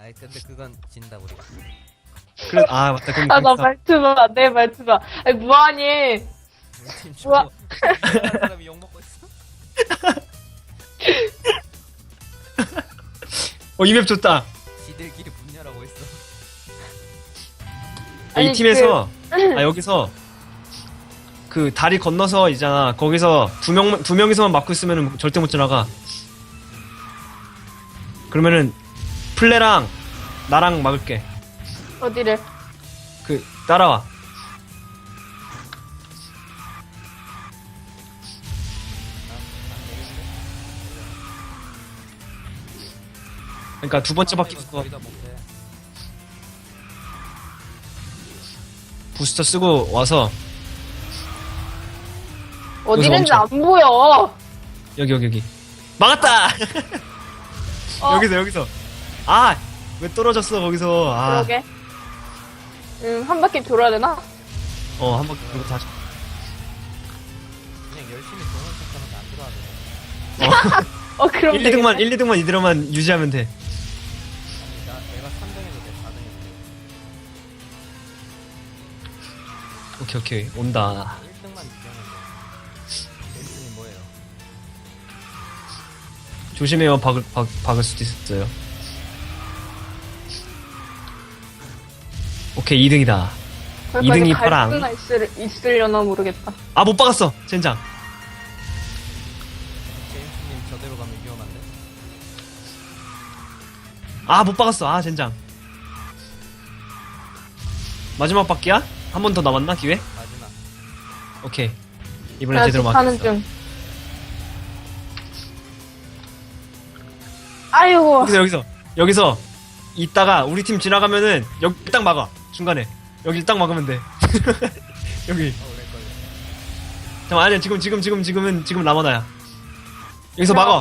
아니 근데 그건 진다 우리가. 그래, 아, 맞다. 그럼 아, 나 그렇다. 말투봐. 내 말투봐. 아니, 뭐하니? 우리 팀 우와. 죽고 사람이 욕 먹고 있어. 이 맵 좋다. 지들끼리 분열하고 있어. 아니, 이 팀에서, 여기서, 그, 다리 건너서 있잖아. 거기서 두 명이서만 막고 있으면 절대 못 지나가. 그러면은, 플레랑, 나랑 막을게. 어디를? 따라와. 그러니까 두 번째 바퀴부터 거의 다 못해. 부스터 쓰고 와서, 어디 있는지 멈춰. 안 보여. 여기. 막았다! 어, 여기서. 아! 왜 떨어졌어, 거기서. 아. 그러게. 한 바퀴 돌아야 되나? 한 바퀴 돌고 다시. 그냥 열심히 동원 척하는데 안 들어가네. 그럼 1, 2등만, 되겠네. 1, 2등만 이대로만 유지하면 돼. 아니 내가 3등해도 돼 4등해도 돼. 오케이. 온다. 1등만 유지하면 돼. 벤슨이 뭐예요? 조심해요, 박을 수도 있어요. 오케이, 2등이다. 거기까지 2등이 갈 파랑. 수나 있으려나 모르겠다. 아, 못 박았어, 젠장. 제임스님 저대로 가면 위험한데? 아, 못 박았어. 아, 젠장. 마지막 바퀴야? 한 번 더 남았나, 기회? 마지막. 오케이. 이번엔 나 제대로 지금 가는 막혔어. 중. 아이고. 여기서 있다가 우리 팀 지나가면은 여기 딱 막아. 중간에. 여기 딱 막으면 돼. 여기. 렉걸려. 잠깐만, 아니야. 지금 라마다야. 여기서 막아.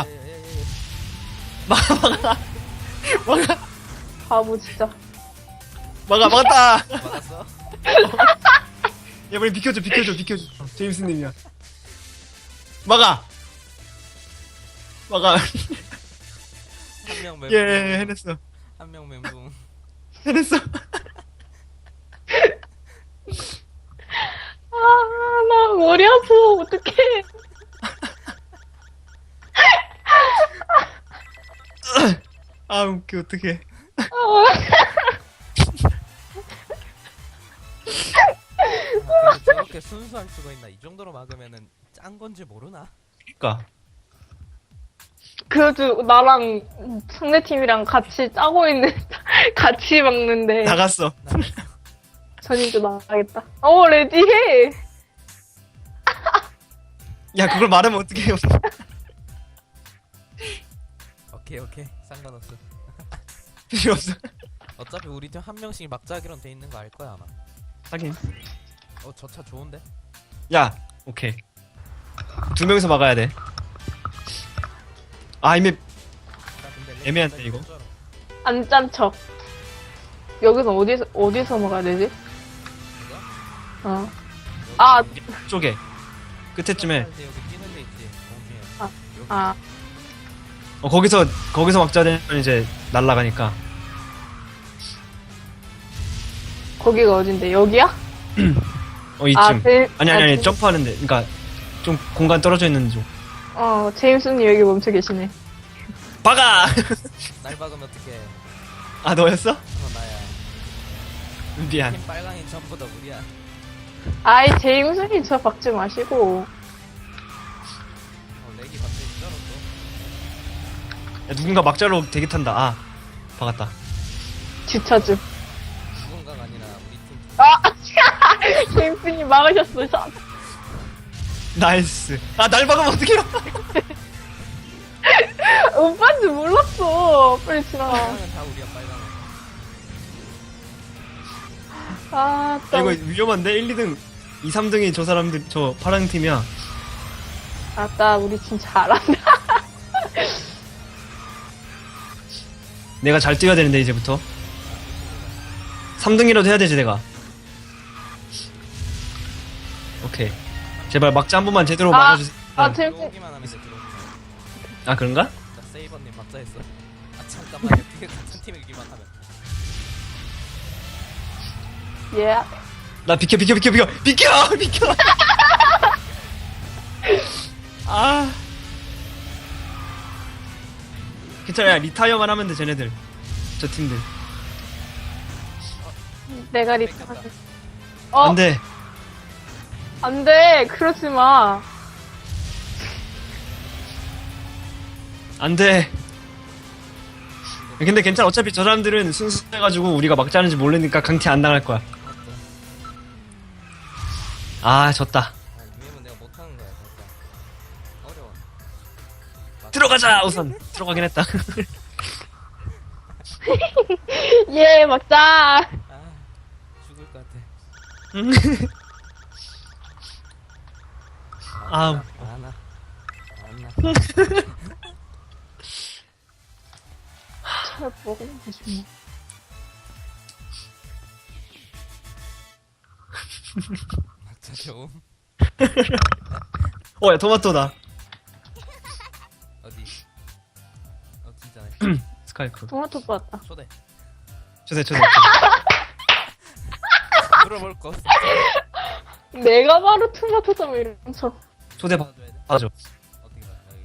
막아. 바보 진짜. 막았다. 막았어? 야, 빨리 비켜줘. 제임스님이야. 막아. 한 명 멘붕. 예, 해냈어. 한 명 멘붕. 해냈어. 나 머리 아파. 어떡해. 아, 웃겨, 어떡해. 근데 저렇게 순수할 수가 있나? 이 정도로 막으면은 짠 건지 모르나? 그니까. 그래도 나랑 상대팀이랑 같이 짜고 있는, 같이 막는데. 나갔어. 전인도 나가겠다. 레디해. 야, 그걸 말하면 어떡해요. 오케이 상관없어. 필요 없어. 어차피 우리 팀 한 명씩 막자기론 돼 있는 거 알 거야 아마. 하긴. 저 차 좋은데? 야, 오케이. 두 명이서 막아야 돼. 아, 이미 나 근데 애매한데, 이거? 진짜로. 안 짠 척. 여기서 어디서 먹어야 되지? 이거? 어. 아, 쪽에. 끝에쯤에. 여기 뛰는 데 있지. 공중에. 아. 여기. 아. 거기서 막자 되면 이제 날아가니까. 거기가 어딘데? 여기야? 이쯤. 아니, 제- 점프하는데. 그니까, 좀 공간 떨어져 있는 쪽. 제임스님 여기 멈춰 계시네. 박아! 날 박으면 어떡해. 아, 너였어? 나야. 미안. 팀 빨강이 전부 다 우리야. 아이, 제임스님 저 박지 마시고. 렉이 갑자기 쩔었어. 야, 누군가 막자로 대기 탄다. 아, 박았다. 주차주. 누군가가 아니라 우리 팀. 아! 제임스님 막으셨어. 나이스. 아, 날 박으면 어떡해요? 오빠인지 몰랐어. 빨리 지나가. 빨강은 다 우리야 빨강은. 아, 야, 이거 위험한데? 1, 2등, 2, 3등이 저 사람들, 저 파랑 팀이야. 아따, 우리 진짜 잘한다. 내가 잘 뛰어야 되는데, 이제부터. 3등이라도 해야 되지, 내가. 오케이. 제발 막자 한 번만 제대로 막아주세요. 아, 제임스. 들어오기만 하면 돼 들어오기만. 아, 그런가? 자 세이버님 막자 했어. 아 잠깐만요. 그게 같은 팀이기만 하면. 예. 나 비켜. 아. 괜찮아, 야, 리타이어만 하면 돼, 쟤네들. 저 팀들. 내가 뺏겼다. 리타하게. 어, 안 돼. 안 돼. 그러지 마. 안 돼. 근데 괜찮아. 어차피 저 사람들은 순수해가지고 우리가 막자는지 모르니까 강퇴 안 당할 거야. 아, 졌다. 아 유엠은 내가 못하는 거야 진짜. 어려워. 들어가자, 우선. 들어가긴 했다. 예, 맞자. 아 죽을 것 같아. 아. 안나. 잘 먹으면 되지 막자 좋음. 야, 토마토다. 어디? 진짜네. 스카이프. 뭐. 토마토 뽑았다. 초대. 초대. 물어볼 거. 없어. 내가 바로 토마토잖아, 이러면서. 초대 받아줘야 돼. 받아줘. 어떻게 받아? 여기.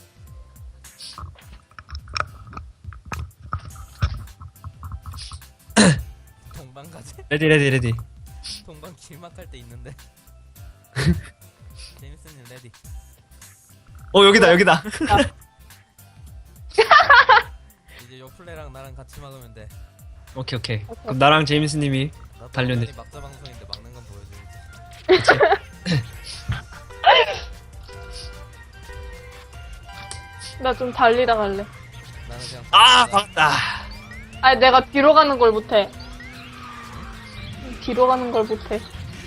동방 가지? 레디. 동방 길막할 때 있는데. 제임스님 레디. 여기다. 이제 요플레랑 나랑 같이 막으면 돼. 오케이. 그럼 나랑 제임스님이 나도 달렸네. 완전히 막자 방송인데 막는 건 보여줘야지. 나 좀 달리다 갈래. 나는 그냥. 막았다. 아니, 내가 뒤로 가는 걸 못해. 뒤로 가는 걸 못해.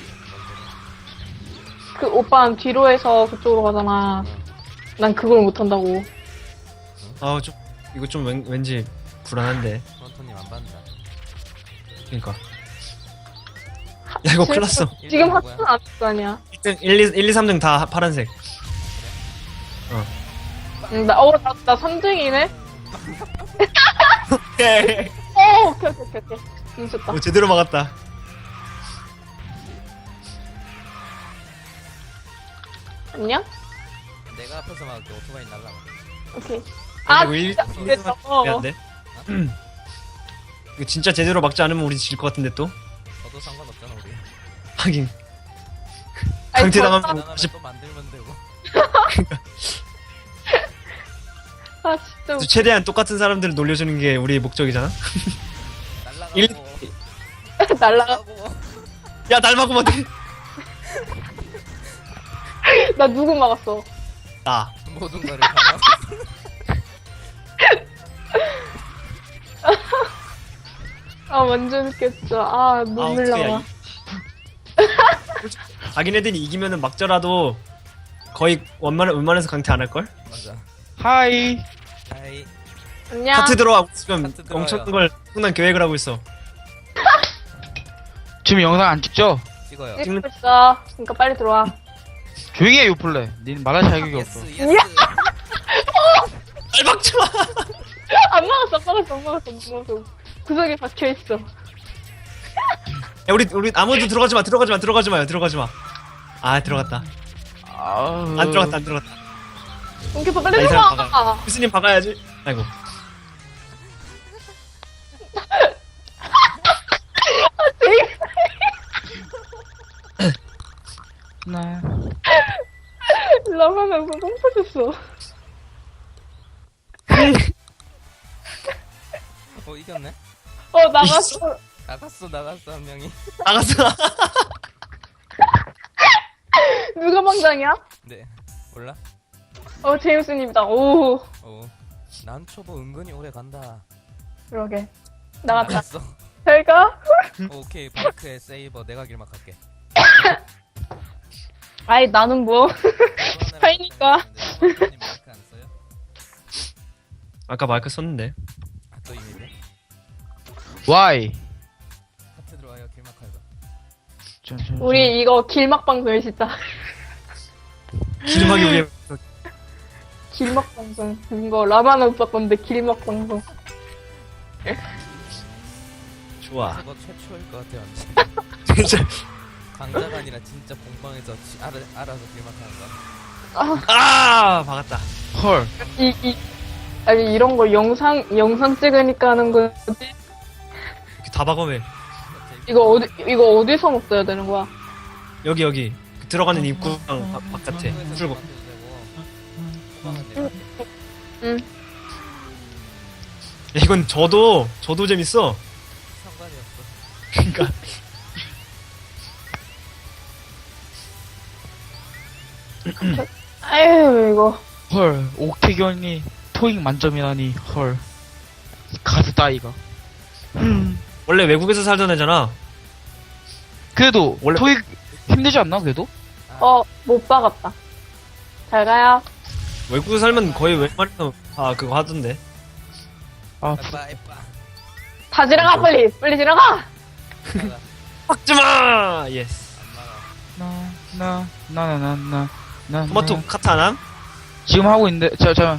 그 오빠는 뒤로 해서 그쪽으로 가잖아. 난 그걸 못한다고. 이거 좀 왠지 불안한데. 프론토님 안 받는다. 그니까. 야, 이거 큰일 났어. 지금 뭐야? 합치는 안거 아니야. 1, 2, 3등 다 파란색. 응, 나 3등이네? 오케이. 오케이. 응, 좋다. 제대로 막았다. 안녕? 내가 앞에서 막을게. 오토바이 날라가. 오케이. 이거 1, 2, 진짜 3등 그랬어. 안 돼? 이거 진짜 제대로 막지 않으면 우리 질 것 같은데 또? 저도 상관없잖아 우리. 하긴. 아니, 강퇴당하면 저- 나가면 다시 또 만들면 되고. 아, 진짜. 최대한 똑같은 사람들을 놀려주는 게 우리의 목적이잖아? 날라가고. 일- 날라가. 날라가고. 야, 날 막으면 어떡해. 나 누구 막았어? 나. 모든 거를 다 막고. 아, 완전 웃겼죠. 아, 눈물 어떡해, 야, 나와. 자기네들이 이기면은 막더라도 거의 웬만해서 강퇴 안 할걸? 맞아. 하이. 하이. 안녕. 카트 들어와. 지금 카트 들어와요. 엄청난 계획을 하고 있어. 지금 영상 안 찍죠? 찍어요. 찍고 있어. 그러니까 빨리 들어와. 조용히 해, 요플레. 닌 말할 자격이 없어. 예스. 날 막지 마! 안 막았어. 구석에 박혀있어. 야, 우리 아무도 들어가지 마. 들어가지 마요. 아, 들어갔다. 아우. 안 들어갔다. 웅켜서 빨리 이 사람 들어와. 교수님 박아야지. 아이고. 네. 라면에서 똥 터졌어. 이겼네. 나갔어. 나갔어 한 명이. 나갔어. 누가 망장이야? 네. 몰라? 제임스님이다. 오, 난 초보 은근히 오래 간다. 그러게. 나갔다. 나갔어. 잘 가? 오케이 바이크에 세이버 내가 길막할게. 아이, 나는 뭐. 스파이니까. 프론토님 마이크 안 써요? 아까 마이크 썼는데. 또 이미네. 와이. 하트 들어와요 길막할까. 우리 이거 길막 방송이 진짜. 기름하기 위해. 길막 방송. 이거 라마나 오빠 건데 길막 방송. 좋아. 저거 최초일 것 같아요. 진짜. 강자가 아니라 진짜 공방에서 알아서 길막하는 거. 아, 박았다. 헐. 아니, 이런 거 영상 찍으니까 하는 거지. 이렇게 다 박으면 이거 어디서 먹어야 되는 거야? 여기 그 들어가는 입구랑 바깥에 출구. 응. 야, 이건 저도 재밌어. 상관이 없어. 그러니까 아유, 이거. 헐. 옥태견이 토익 만점이라니. 헐. 가수 따위가. 원래 외국에서 살던 애잖아. 그래도 원래- 토익 힘들지 않나 그래도? 못 박았다. 잘 가요. 외국에 살면 거의 웬만해서 다 그거 하던데. 아 에빠. 다 지나가, 빨리! 빨리 지나가! 나가. 박지마. 예스. 안 나가. 나 토마토 카타남. 지금 하고 있는데 잠깐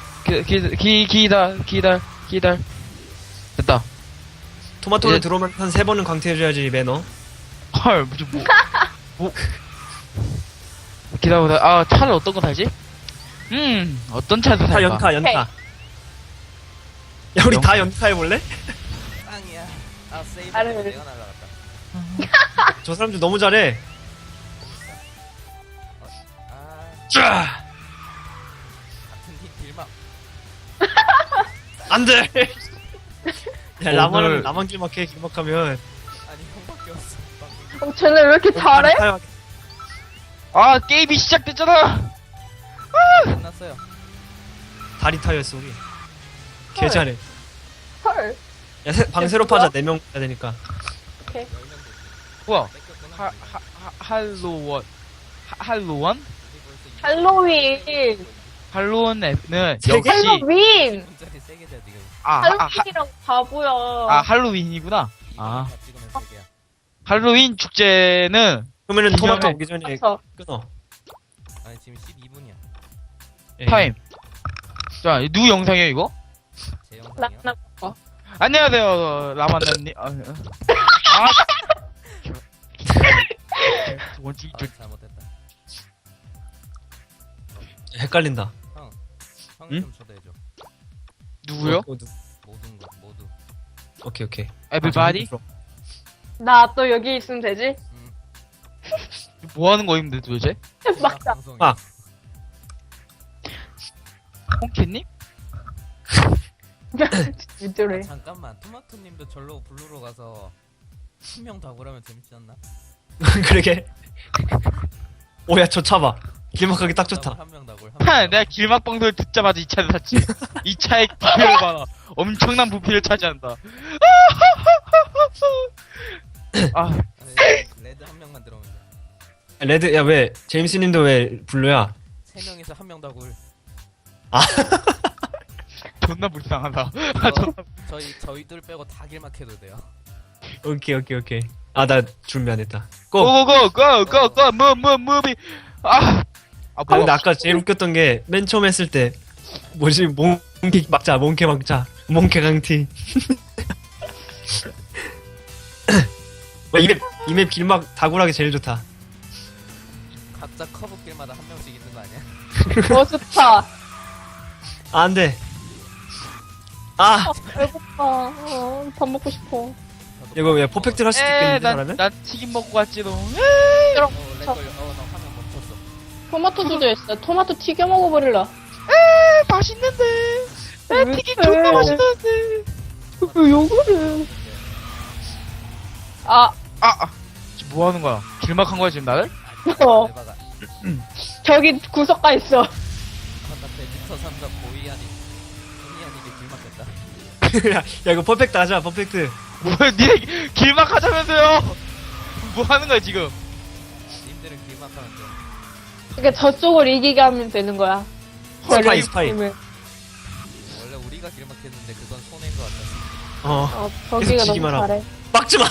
기다려 됐다. 토마토를 예. 들어오면 한 3번은 강퇴해줘야지 매너. 헐 무슨 뭐 기다려보자. 아 차를 어떤 거 살지? 어떤 차를 다 살까? 연타. 야 우리 다 연타해볼래? 땅이야. 아 세이브 아래. 때문에 내가 날라갔다. 저 사람들 너무 잘해. 아 쫙. 같은 팀 길막. 안돼. 야 오늘- 라만 길막해. 길막하면 아니 형밖에 없어. 방금. 쟤네 왜 이렇게 잘해? 아 게임이 시작됐잖아. 끝났어요. 다리 타였어 우리. 개 잘해. 헐. 야 방 새로 파자. 4명 해야 되니까. 10명 됐지. 뭐야? 뺏겼구나. 할로원 우리 벌써 할로윈. 할로원은 세 개? 역시 할로윈! 2분짜리 세개 돼 지금. 할로윈이랑 바보야. 할로윈이구나. 아 다 찍으면 3개야. 할로윈 축제는 그러면은 토마토 기존에- 오기 전에 그래서 끊어. 아니 지금 12분이야. 예. 타임. 자 누구 영상이에요 이거? 제 영상이요. 나 안녕하세요 라만나님. 원칙 아 잘못했다. 헷갈린다. 형이 응? 좀 초대해줘. 누구요? 모든 거 모두. 오케이. Everybody? 나 또 여기 있으면 되지? 뭐 하는 거임데 도대체? 맞다. 방송이. 아. 홍키님? 왜 저래? 잠깐만 토마토님도 절로 블루로 가서 10명 다 고라면 재밌지 않나? 그러게. 오야 저 차봐. 길막하기 딱 좋다. 한명 다 골. 내가 길막방송을 듣자마자 이 차를 샀지. 이 차의 부피를 봐라. 엄청난 부피를 차지한다. 아, 레드 한 명만 들어오면 돼. 레드 야 왜 제임스님도 왜 블루야? 3명에서 한 명 다 골. 존나 불쌍하다. 이거 저희 둘 빼고 다 길막해도 돼요. 오케이. 아 나 준비 안 했다. 고. 고고고고고고 무비. 아 아 뭐야? 근데 아까 제일 웃겼던 게 맨 처음 했을 때 뭐지 몽키 막자 몽케 강티. 이맵 길막 다굴하기 제일 좋다. 각자 커브길마다 한 명씩 있는 거 아니야? 좋다. 아 안돼. 아 배고파. 밥 먹고 싶어. 이거 왜 퍼펙트를 할 수도 있겠는데 잘하면? 난 튀김 먹고 갔지롱. 렉 걸려. 나 화면 멈췄어. 토마토 주제였어. 토마토 튀겨 먹어버릴라. 맛있는데. 왜 튀김 그래? 존나 맛있는데. 왜 욕을 해? 지금 뭐 하는 거야? 길막한 거야 지금 나를? 어. 내봐가. 저기 구석가 있어. 바깥에 미터 3사 고이 아니게 길막했다. 야 이거 퍼펙트 하자 퍼펙트. 뭐야 니네 길막하자면서요? 뭐 하는 거야 지금? 님들은 길막하면 돼. 그러니까 저쪽을 이기게 하면 되는 거야. 스파이. 원래 우리가 길막했는데 그건 손해인 것 같았어. 저기가 계속 너무 지기만 하고. 잘해. 막지마.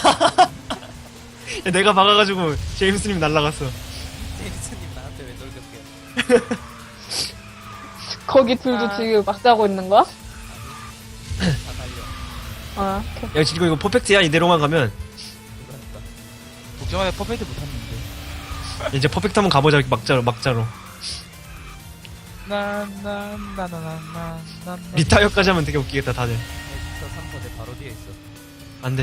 내가 박아가지고 제임스님 날라갔어. 제이슨님 나한테 왜 돌격해? 거기 둘도 지금 막 자고 있는 거야? 다 달려. 아, 오케이. 야 지금 이거 퍼펙트야 이대로만 가면. 그러니까. 복정한테 퍼펙트 못했는데. 이제 퍼펙트 한번 가보자 막자로. 나나나나나나나. 리타이어까지 하면 되게 웃기겠다 다들. 엑스터 3터 내 바로 뒤에 있어. 안돼.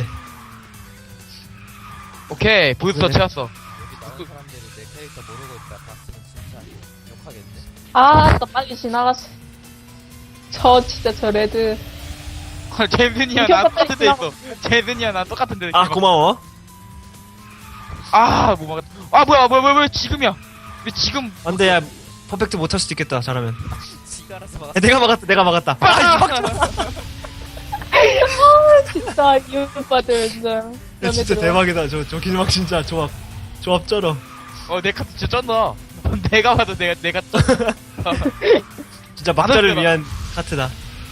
오케이 부스터 그래. 채웠어. 여기 나온 사람들이 내 캐릭터 모르고 있다 봤으면 진짜 욕하겠네. 아, 나 빨리 지나갔어. 저 레드. 제든이야 나 똑같은 데 있어. 제든이야 나 똑같은 데. 아 고마워. 아못 막았다. 아 뭐야 지금이야. 왜 지금? 안돼 야 퍼펙트 못할 수도 있겠다 잘하면. 지가 알아서 막았어. 야, 내가 막았다. 진짜, 이 오빠들, 진짜. 야, 진짜 대박이다. 저 길막 진짜 조합 쩔어. 내 카드 진짜 쩐다. 내가 봐도 내가 쩐. 진짜 막자를 맞았잖아. 위한 카트다.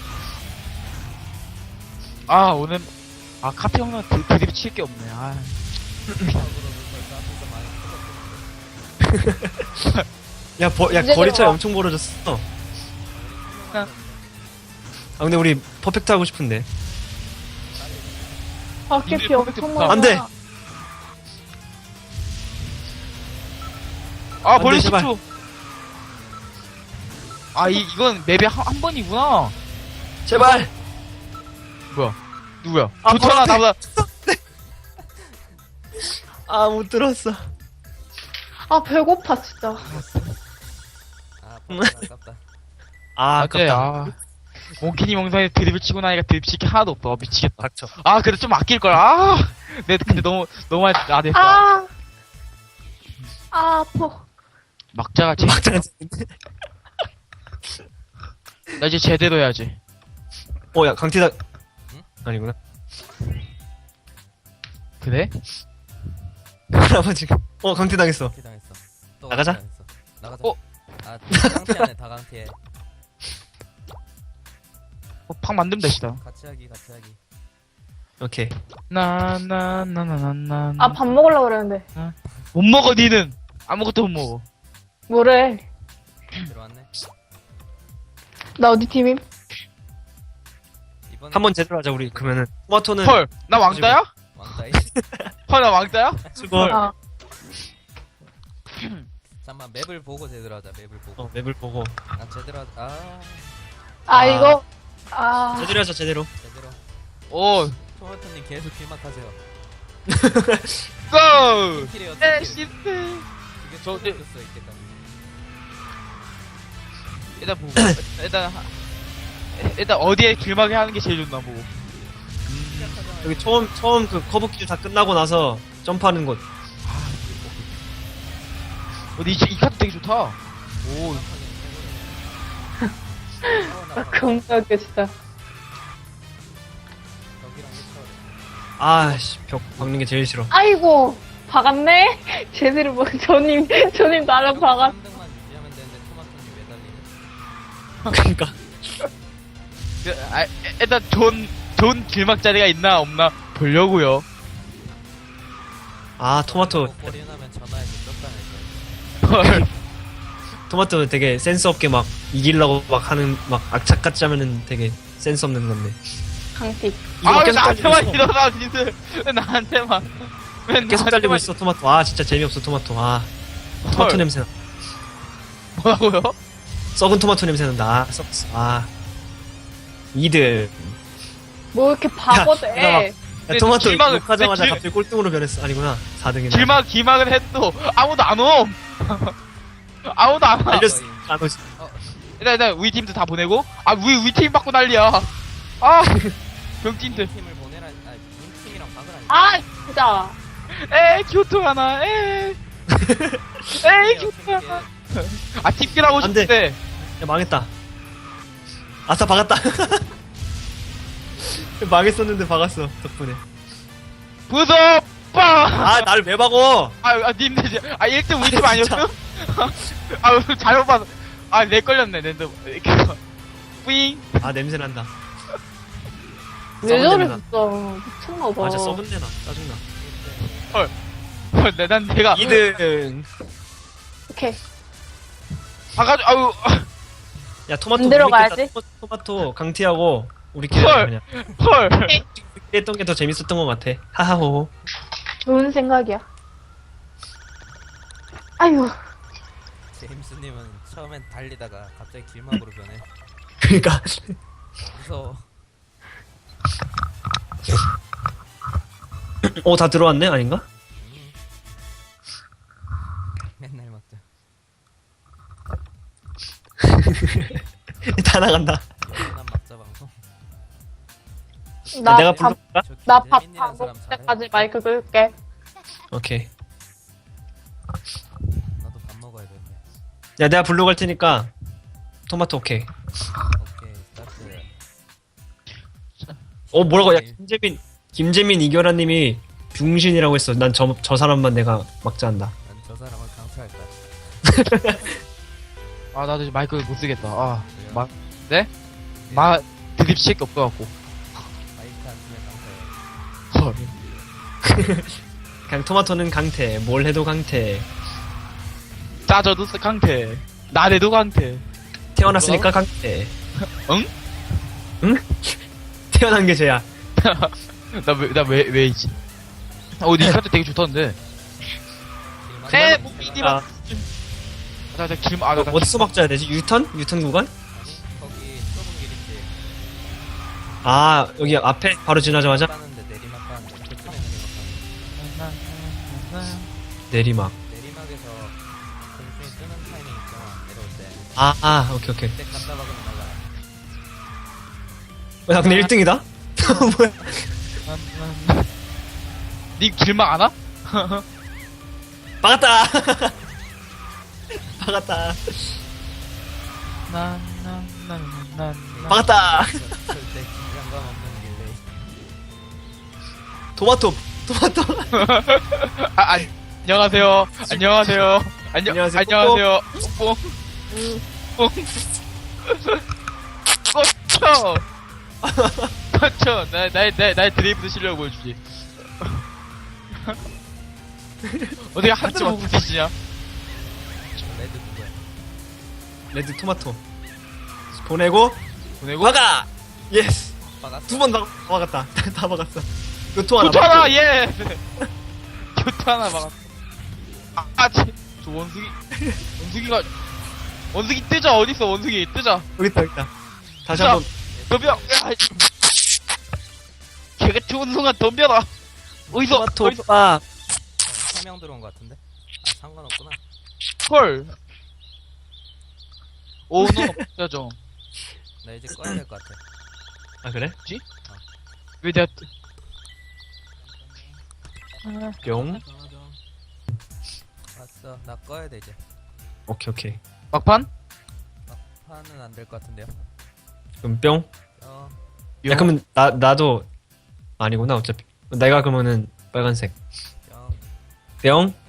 아 오늘 카페 형은 드립 칠 게 없네. 아. 야 이제 거리 차이 들어와. 엄청 벌어졌어. 아 근데 우리 퍼펙트 하고 싶은데. 아, 캐피 엄청 많아. 안 돼. 아 벌써 제발. 10초. 이건 맵에 한 번이구나. 제발. 뭐야? 누구야? 아, 좋잖아 벌써- 나보다. 아 못 들었어. 아, 배고파, 진짜. 아, 아깝다. 아 맞지? 아깝다. 몽키니 영상에 드립을 치고 나니까 드립 칠게 하나도 없어. 미치겠다. 닥쳐. 그래 좀 아낄 걸. 근데 너무 많이 됐어. 아, 아파. 막자가 제. 막장. 나 이제 제대로 해야지. 어야 강티다. 응? 아니구나. 그래? 할아버지. 강티 당했어. 강티 당했어. 또 나가자. 강티 당했어. 나가자. 어? 아, 다강티하네, 다강티해. 팍 만들면 되시다. 같이 하기. 오케이. 나나나나나나. 아, 밥 먹으려고 그랬는데. 못 먹어 니는. 아무것도 못 먹어. 뭐래? 들어왔네. 나 어디 팀임? 이번에 한번 제대로 하자 우리. 그러면은 토마토는 헐, 나 왕따야? 왕따이. 헐, 나 왕따야? 수고. 아, 잠깐만, 맵을 보고 제대로 하자, 맵을 보고. 맵을 보고 난 제대로 하자. 아, 이거. 아, 제대로 하자 제대로. 제대로. 오, 토마토님 계속 길막하세요. 고! 킬이에요, 에, 킬. 시트. 이게 저- 저, 수 있겠다. 일단 어디에 길막이 하는 게 제일 좋나 보고. 여기 처음 그 커브길 다 끝나고 나서 점프하는 곳. 이 카드 되게 좋다. 오, 금방게 진짜. 벽이랑 해쳐. 아씨 벽 박는 게 제일 싫어. 아이고, 박았네? 제대로 뭐, 저님 나랑 박았. 3등만 유지하면 되는데 토마토님 매달리네. 그러니까 일단 좋은 길막 자리가 있나 없나 보려고요. 아 토마토 버리나면 전화해서 쫓다낼 거야. 헐. 토마토는 되게 센스 없게 막 이기려고 막 하는 막 악착같이 하면은 되게 센스 없는 건데. 강티. 이거 왜 계속 달리고 나한테만 있어. 일어나, 니들. 왜 나한테만. 왜 계속 달리고 나한테만 있어 토마토. 아 진짜 재미없어 토마토. 아 토마토 헐. 냄새 나. 뭐라고요? 썩은 토마토 냄새 난다. 아 썩었어. 아 이들. 뭐 이렇게 바보대. 야, 야, 토마토 길막을- 욕하자마자 길- 갑자기 꼴등으로 변했어. 아니구나 4등이네. 길막을 해도 아무도 안 옴. 아무도 안 와. 알렸어. 안 오지. 일단 우리 팀도 다 보내고. 우리 팀 받고 난리야. 아, 병진들. 팀을 보내라. 아니, 팀이랑 박을 아니. 아, 진짜. 교통 하나. 교통 하나. 팀끼라고 안 돼. 싶대. 야 망했다. 아싸 박았다. 망했었는데 박았어 덕분에. 부서 빵. 아 나를 왜 박어? 님들 1등 우리 팀 아니었어? 잘못 봤어. 내 걸렸네. 랜드. 뿌잉. 아 냄새 난다. 왜 썩은 저래, 냄새 진짜. 미쳤나봐. 맞아 썩은 데나 짜증나. 내가 2등. 오케이. 봐가지고 야 토마토 안 들어가야지. 토마토 강티하고 우리끼리 헐. 그냥 헐. 했던 게 더 재밌었던 것 같아. 하하호. 좋은 생각이야. 아유, 제임스님은 처음엔 달리다가 갑자기 길막으로 변해. 그러니까 무서워. 다 들어왔네 아닌가? 맨날 막자. 다 나간다. 난 막자 방송. 나 내가 밥, 불러볼까? 나 밥 재민이라는 다 사람 먹을 잘해. 때까지 마이크 끌게. 오케이. 나도 밥 먹어야 되는데. 야 내가 불러갈 테니까 토마토 오케이. 오케이 스타트. 뭐라고? 야 김재민 이결아님이 병신이라고 했어. 난 저 사람만 내가 막자 한다. 난 저 사람을 강퇴할 거야. 아 나도 이제 마이크 못 쓰겠다. 아 왜요? 네? 마 드립 칠게 없어갖고. 마이크 안 쓰면 강퇴. 헐. 그냥 토마토는 강태. 뭘 해도 강태. 짜져도 강태. 나래도 강태. 태어났으니까 강태. 응? 응? 태어난 게 죄야. 왜 있지? 니 카드 되게 좋던데. 에, 목비디 아, 나 길, 나 어디서 막자야 되지? 유턴? 유턴 구간? 아니 거기 좁은 길 있지. 아 여기 앞에 바로 지나자마자 가는데 내리막 가는데 그쯤에 내리막. 내리막에서 공중이 뜨는 타이밍 있잖아. 내려올 때. 오케이. 그때 갖다 박으면 날라가. 나 근데 1등이다? 뭐야? 니 길막 안 와? 막았다! 막았다. 막았다! 절대 긴장감 없는 릴레이. 토마토! 안녕하세요. 안녕하세요. 안녕하세요. 안녕하세요. 뽕. 꽂혀. 꽂혀. 나의 드리블 실력을 보여주지. 어떻게 한 대만 보고 계시냐? 레드 누구야? 레드 토마토. 보내고, 보내고. 막아! 예스! 박았어? 두 번 막았다. 다 막았어. 교토 하나. 교토 하나, 막고. 예! 교토 하나 막았어. 저 원숭이 뜨자, 어딨어, 원숭이, 뜨자. 여기 있다. 다시 자. 한번. 덤벼! 야, 걔가 좋은 순간 덤벼라! 어디서, 토마토 어디서, 오빠. 3명 들어온 것 같은데? 아 상관없구나. 헐. 오, 너, 없자, 좀. 나 이제 꺼야 될 것 같아. 아, 그래? 왜 내가, 뿅. 왔어. 나 꺼야 돼 이제. 오케이. 막판? 파는 안 될 것 같은데요. 그럼 뿅. 뿅. 야, 그러면 나도 아니구나, 어차피. 내가 그러면은 빨간색. 뿅. 뿅.